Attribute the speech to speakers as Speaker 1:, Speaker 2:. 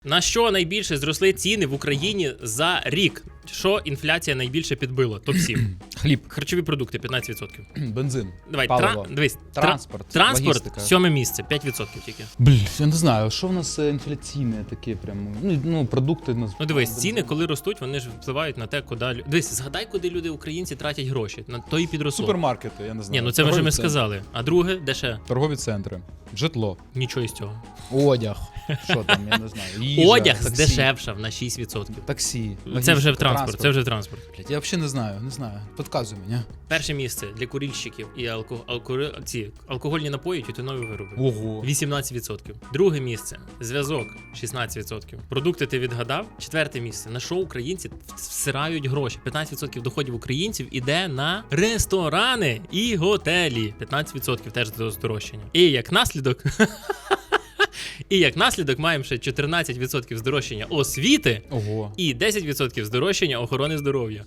Speaker 1: На що найбільше зросли ціни в Україні за рік? Що інфляція найбільше підбила? Топ-7.
Speaker 2: Хліб,
Speaker 1: Харчові продукти 15%.
Speaker 2: бензин,
Speaker 1: Давай,
Speaker 2: паливо,
Speaker 1: дивись.
Speaker 2: транспорт,
Speaker 1: Транспорт
Speaker 2: логістика.
Speaker 1: 7 місце, 5% тільки.
Speaker 2: Я не знаю, що в нас інфляційне таке прямо. Ну, продукти.
Speaker 1: Ну дивись, ціни, коли ростуть, вони ж впливають на те, куди... Дивись, згадай, куди люди, українці, тратять гроші. На то і підросло.
Speaker 2: Супермаркети, я не знаю.
Speaker 1: Ні, ну це ми вже
Speaker 2: Торгові центри.
Speaker 1: сказали. А друге, де ще?
Speaker 2: Торгові центри, житло,
Speaker 1: Нічого із цього.
Speaker 2: одяг, що там, я не знаю. Їжа,
Speaker 1: Одяг
Speaker 2: таксі,
Speaker 1: здешевшав на 6%.
Speaker 2: Таксі,
Speaker 1: Це
Speaker 2: логістика,
Speaker 1: вже в транспорт, це вже в транспорт.
Speaker 2: Блядь, я взагалі не знаю. Підказуй мені.
Speaker 1: Перше місце для курильщиків і алкогольні напої, тютюнові вироби.
Speaker 2: Ого.
Speaker 1: 18%. Друге місце зв'язок 16%. Продукти ти відгадав. Четверте місце. На що українці всирають гроші? 15% доходів українців іде на ресторани і готелі. 15% теж здорожчання. І як наслідок. І як наслідок маємо ще 14% здорожчання освіти
Speaker 2: Ого.
Speaker 1: і 10% здорожчання охорони здоров'я.